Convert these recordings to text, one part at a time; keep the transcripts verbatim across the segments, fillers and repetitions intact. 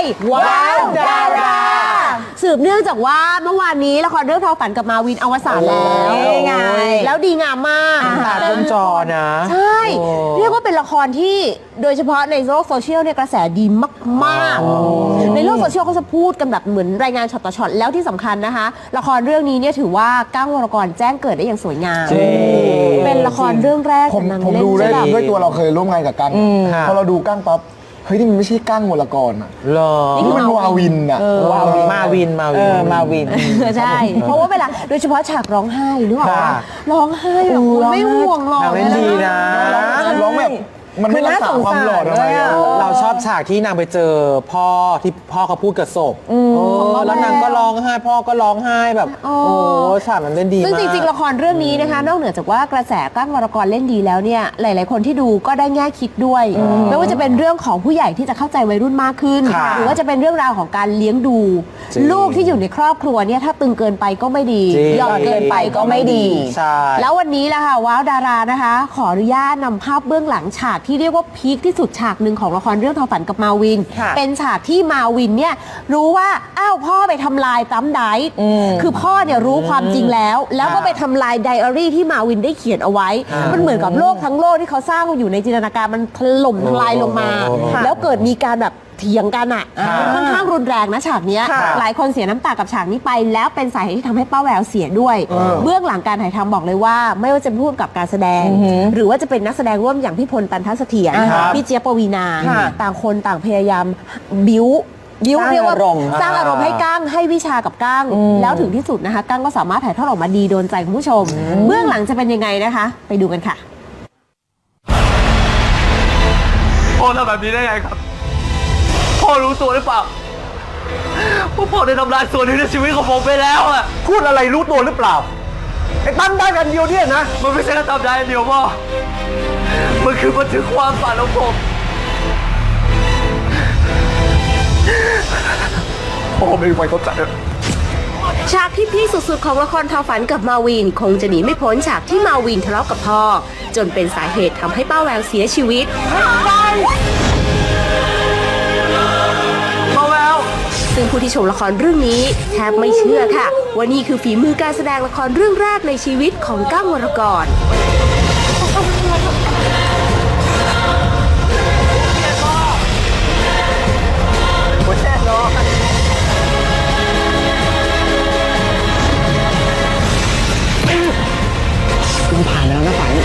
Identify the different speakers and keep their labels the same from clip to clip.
Speaker 1: ว้าวดาราสืบเนื่องจากว่าเมื่อวานนี้ละครเรื่องทอฝันกับมาวินอวสานแล้วไงแล้วดีงามมาก
Speaker 2: ตาบนจอนะ
Speaker 1: ใช่เรียกว่าเป็นละครที่โดยเฉพาะในโลกโซเชียลเนี่ยกระแสดีมากๆในโลกโซเชียลเขาจะพูดกันแบบเหมือนรายงานช็อตต่อช็อตแล้วที่สำคัญนะคะละครเรื่องนี้เนี่ยถือว่าก้างวรกรแจ้งเกิดได้อย่างสวยงามเป็นละครเรื่องแรก
Speaker 3: ผมผมดูได้ด้วยตัวเราเคยร่วมงานกับกั้งพอเราดูกั้งปั๊บเฮ้ยนี่มันไม่ใช่กั้งวรกรอ่ะ
Speaker 2: หรอ
Speaker 3: นี่มันวาวินอ่ะ
Speaker 2: มาวินมาวิน
Speaker 1: มาวินใช่เพราะว่าเวลาโดยเฉพาะฉากร้องไห้นึกออกปะร้องไห้แบบไม่ห่วงหรอก
Speaker 2: เล่นดีนะ
Speaker 3: ร้องแบบมันไม่รักษาความหล่อเลย
Speaker 2: เราชอบฉากที่นางไปเจอพ่อที่พ่อเขาพูดกับศพแล้วนางก็ร้องไห้พ่อก็ร้องไห้แบบโอ้ฉากมันเล่นดีมาก
Speaker 1: ซึ่งจริงๆละครเรื่องนี้นะคะนอกเหนือจากว่ากระแสก้างวรกรเล่นดีแล้วเนี่ยหลายๆคนที่ดูก็ได้แง่คิดด้วยไม่ว่าจะเป็นเรื่องของผู้ใหญ่ที่จะเข้าใจวัยรุ่นมากขึ้นหรือว่าจะเป็นเรื่องราวของการเลี้ยงดูลูกที่อยู่ในครอบครัวเนี่ยถ้าตึงเกินไปก็ไม่ดีหย่อนเกินไปก็ไม่ดีแล้ววันนี้ละค่ะว้าวดารานะคะขออนุญาตนำภาพเบื้องหลังฉากที่เรียกว่าพีคที่สุดฉากหนึ่งของละครเรื่องทอฝันกับมาวินเป็นฉากที่มาวินเนี่ยรู้ว่าอ้าวพ่อไปทำลายตั้มไดท์คือพ่อเนี่ยรู้ความจริงแล้วแล้วก็ไปทำลายไดอารี่ที่มาวินได้เขียนเอาไว้มันเหมือนกับโลกทั้งโลกที่เขาสร้างอยู่ในจินตนาการมันถล่มทลายลงมาแล้วเกิดมีการแบบเถียงกันอ่ะค่อนข้างรุนแรงนะฉากนี้หลายคนเสียน้ำตากับฉากนี้ไปแล้วเป็นสาเหตุที่ทำให้ป้าแววเสียด้วยเบื้องหลังการถ่ายทำบอกเลยว่าไม่ว่าจะพูดกับการแสดงหรือว่าจะเป็นนักแสดงร่วมอย่างพี่พลตันทัศเสถียรพี่เจี๊ยบปวีนาต่างคนต่างพยายามบิ้วบิ้วเรียกว่าสร้างอารมณ์ให้ก้างให้วิชากับก้างแล้วถึงที่สุดนะคะก้างก็สามารถถ่ายทอดออกมาดีโดนใจคุณผู้ชมเบื้องหลังจะเป็นยังไงนะคะไปดูกันค่ะ
Speaker 4: พ่อทำแบบนี้ได้ไงครับพ่อรู้ตัวหรือเปล่าว่าพ่อได้ทำลายส่วนหนึ่งในชีวิตของผมไปแล้วอะ
Speaker 5: พูดอะไรรู้ตัวหรือเปล่าไอ้ตั้มได้กันเดียวเนี่ยนะ
Speaker 4: มันไม่ใช่แค่ทำได้อันเดียวพ่อมันคือบันทึกความฝันของผมพ่อไม่ไหวเข้าใจ
Speaker 1: ฉากที่พีคสุดๆของละครทอฝันกับมาวินคงจะหนีไม่พ้นฉากที่มาวินทะเลาะกับพ่อจนเป็นสาเหตุทำให้ป้าแววเสียชีวิตซึ่งผู้ที่ชมละครเรื่องนี้แทบไม่เชื่อค่ะว่านี่คือฝีมือการแสดงละครเรื่องแรกในชีวิตของก้างวรกร
Speaker 3: คุณผ่านแล้วนะฝัน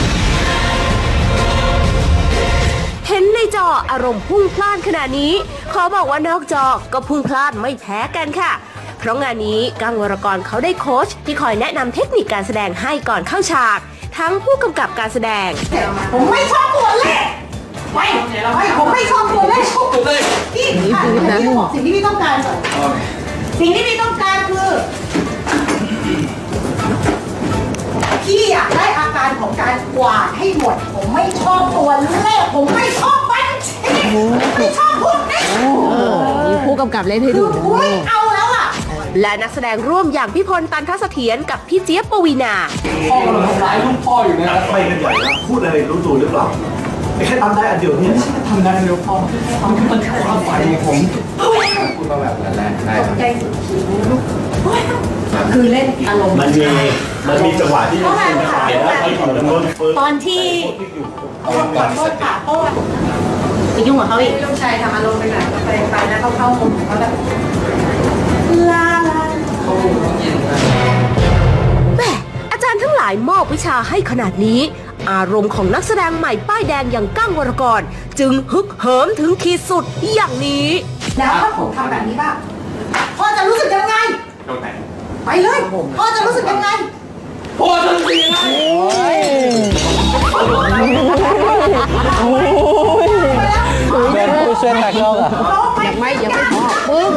Speaker 1: เห็นในจออารมณ์พุ่งพล่านขนาดนี้ขอบอกว่านอกจอก็พุ่งพล่านไม่แพ้กันค่ะเพราะงานนี้ก้างวรกรเขาได้โค้ชที่คอยแนะนำเทคนิคการแสดงให้ก่อนเข้าฉากทั้งผู้กำกับการแสดง
Speaker 6: ผมไม่ชอบตัวเลขไม่ไม่ผมไม่ชอบตัวเลขพี่ค่ะพี่บอกสิ่งที่พี่ต้องการก่อนสิ่งที่พี่ต้องการคือพี่อยากได้อาการของการกวาดให้หมดผมไม่ชอบตัวเลขผมไม่ชอบบัญชีไม่ชอบพวกนี้
Speaker 1: มีผู้กำกับเล่นให้ดู
Speaker 6: ไม่เอาแล้วอ่ะ
Speaker 1: และนักแสดงร่วมอย่างพี่พลตันทัศเสถียรกับพี่เจี๊ยบปวีนา
Speaker 4: พ่อกำลังทำร้ายลูกพ่ออยู่นะไปกันใหญ่แล้วพูดอะไรรู้ตัวหรือเปล่าไม่แค่ทำได้อันเดียวเนี่ยทำได้อันเดียวพ่อมันคือมันแค่ความฝันของผมพูดมาแบบนั้นได้ครับใจสุด
Speaker 6: คือเล่นอารมณ์
Speaker 4: มันมีมันมีจังหวะที่จะเป็นจังหวะแล้วไปถึงต้น
Speaker 6: ตอนที่ขอโทษค่ะโทษไปยุ่งกับเขาอีกลูกชายทำอารมณ์ไปไหนก็ไปไปนะเขาเข้ามุมเขาแบบลาลา
Speaker 1: แม่อาจารย์ทั้งหลายมอบวิชาให้ขนาดนี้อารมณ์ของนักแสดงใหม่ป้ายแดงอย่างก้างวรกรจึงฮึกเหิมถึงขีดสุดอย่างนี้
Speaker 6: แล้วถ้าผมทำแบบนี้บ้างพ่อจะรู้สึกยังไงไปเลยพ่อจะรู้สึกยังไง
Speaker 4: พ่อจะรู้สึกยังไง
Speaker 2: เป็นผู้ช่วยนักร้องอ่ะ
Speaker 1: ยังไม่ยังไม่พอปึ้ง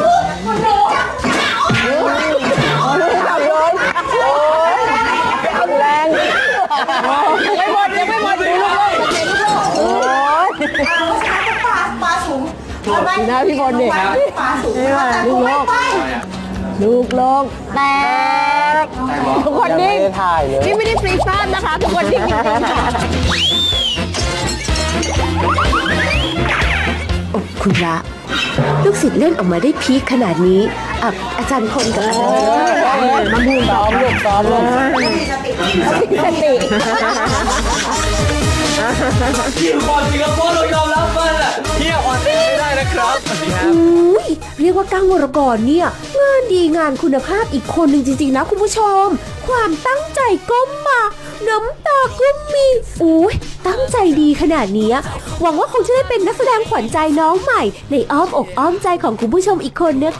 Speaker 1: แรงยังไม่หมดยังไม่หมดดูลูกโอ้ย
Speaker 6: ปลาปลาสูง
Speaker 1: นะพี่บอลเนี่ย
Speaker 6: ปลาสูง
Speaker 1: ลูกโลกลูกโลกแตกทุกคนนิ่งนี่ไม่ได้ฟรีซ่านนะคะทุกคนนิ่งจริงๆค่ะคุณพระลูกศิษย์เล่นออกมาได้พีคขนาดนี้อ่ะอาจารย์คนกับอาจารย์มาบูนซ้อมลูกซ้อมลูกสติ
Speaker 4: เฮียก่อนสิครับพ่อเรายอมรับมันอ่ะเฮียอ่อนไม่ได้นะครับ
Speaker 1: อุ้ยเรียกว่าก้างวรกรเนี่ยงานดีงานคุณภาพอีกคนหนึ่งจริงๆนะคุณผู้ชม ความตั้งใจก็มาน้ำตาก็มีอุ้ยตั้งใจดีขนาดนี้หวังว่าคงจะได้เป็นนักแสดงขวัญใจน้องใหม่ในอ้อมอกอ้อมใจของคุณผู้ชมอีกคนนะคะ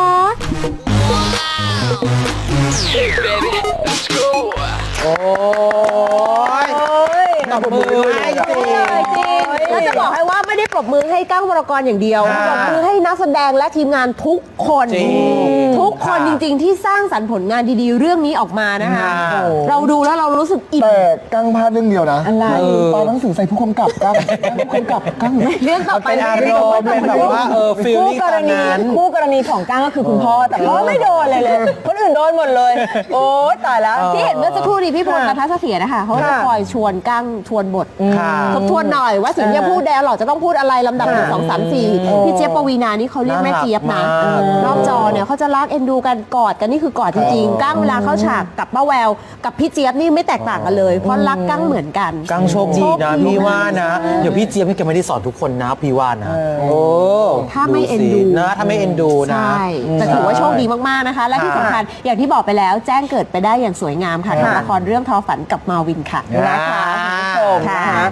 Speaker 2: โอ้ยตบมือให้จริง
Speaker 1: แล้วจะบอกให้ว่าไม่ได้ปรบมือให้ก้างวรกรอย่างเดียว
Speaker 2: ค่ะ
Speaker 1: ปรบมือให้นักแสดงและทีมงานทุกคน
Speaker 2: จริง
Speaker 1: ทุกคน
Speaker 2: ค่ะ
Speaker 1: จริงๆ ที่สร้างสรรค์ผลงานดีๆ เรื่องนี้ออกมานะคะ
Speaker 2: ค่ะ
Speaker 1: เราดูแล้วเรารู้สึกอิ่ม
Speaker 3: แต่กั้งพลาดเรื่องเดียวนะ
Speaker 1: อะไร
Speaker 3: ตอนหนังสือใส่ผู้กำกับกั้งผู้กำกับกั้ง
Speaker 1: เรื่องต่อไป
Speaker 2: เป็นอารมณ์เป็นแบบว่าเออฟีล
Speaker 7: คู่
Speaker 2: ลิ่ง
Speaker 7: ก
Speaker 2: ต
Speaker 7: ร
Speaker 2: อน
Speaker 7: ณี
Speaker 2: นั้น
Speaker 7: คู่กรณีของก้างก็คือคุณพ่อแต่พ่อไม่โดนเลยเลย คนอื่นโดนหมดเลย โอ๊ยตายแล้ว
Speaker 1: ที่เห็นเมื่อสักครู่นี้พี่พลนัทเสถียรนะคะเขาจะคอยชวนก้างชวนบท
Speaker 2: ค่ะ
Speaker 1: ทบทวนหน่อยว่าสิ่งที่จะพูดแดร์หรอกจะต้องพูดอะไรลำดับหนึ่งสองสามสี่พี่เจี๊ยบปวีนานี่เขาเรียกแม่เจี๊ยบนะ
Speaker 2: น่ารักมาก
Speaker 1: นอกจอเนี่ยเขาจะรักเอ็นดูกันกอดกันนี่คือกอดจริงๆก้างเวลาเข้าฉากกับป้าแววกับพี่เจี๊ยบนี่ไม่แตกต่างกันเลย เพราะรักก้างเหมือนกัน
Speaker 2: กังโชคดีนะพี่ว่านะ เดี๋ยวพี่เจี๊ยบพี่แกไม่ได้สอนทุกคนนะพี่ว่านะโอ้
Speaker 1: ถ้าไม่เอ็นดู
Speaker 2: สินะถ้าไม่เอ็นดูนะ
Speaker 1: ใช่แต่ถือว่าโชคดีมากๆนะคะ และที่สำคัญอย่างที่บอกไปแล้วแจ้งเกิดไปได้อย่างสวยงามค่ะกับละครเรื่องทอฝันกับมาวินค่ะ
Speaker 2: นะคะ
Speaker 7: ชมนะคะ